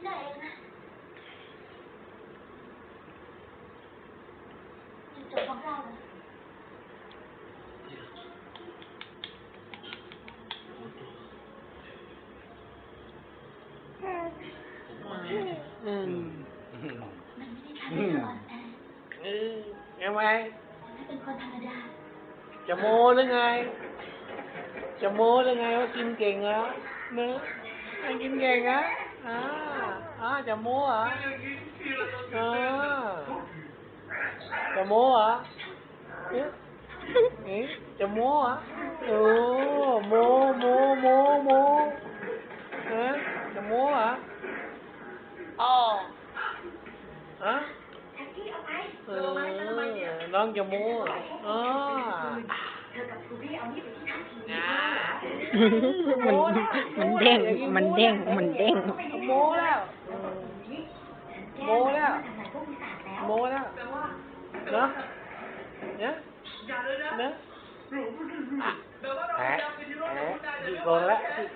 ไหนนะยังจบของเราเลยมันไม่ได้ทำให้เธออ่อนแอยังไงฉันเป็นคนธรรมดาจะโม้หรือไงจะโม้หรือไงว่ากินเก่งแล้วเนื้อกินเก่งนะจะโม้เหรอจะโม้เหรอจะโม้เหรอโอ้โม้จะโม้เหรออ๋อแท็กซี่เอาไปน้องจะโม้เหรอเธอกับครูบี้เอานี่ไปที่ทันทีมันเด้งโม้แล้วเนอะเนี่ยแหมกี่โกงแล้วเหมือน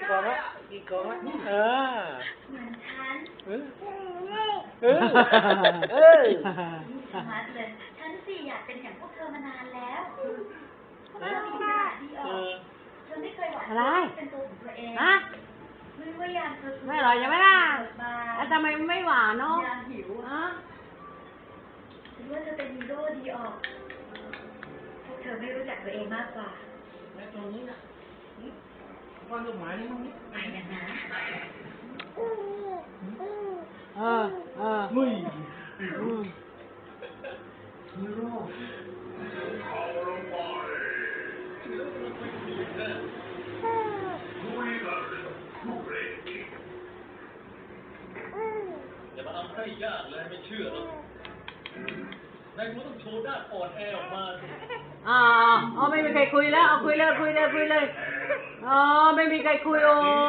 ฉันมัดเลยฉันสิอยากเป็นอย่างพวกเธอมานานแล้วพวกเธอมีหน้าดีออกเธอไม่เคยหวังเป็นตัวของตัวเองไม่อยากเธอไม่อร่อยใช่ไหมล่ะแล้วทำไมไม่หวานเนาะอยากหิวหรือว่าเธอเป็นฮีโร่ดีออกพวกเธอไม่รู้จักตัวเองมากกว่าตรงนี้นะวางลูกหมานี่มั้งนี่ไปกันนะเฮ้ยอย่ามาทำให้ยากเลยไม่เชื่อหรอกนายคุณต้องโชว์ด้านอ่อนแอออกมาไม่มีใครคุยแล้วเอาคุยเลยอ๋อไม่มีใครคุยโอ้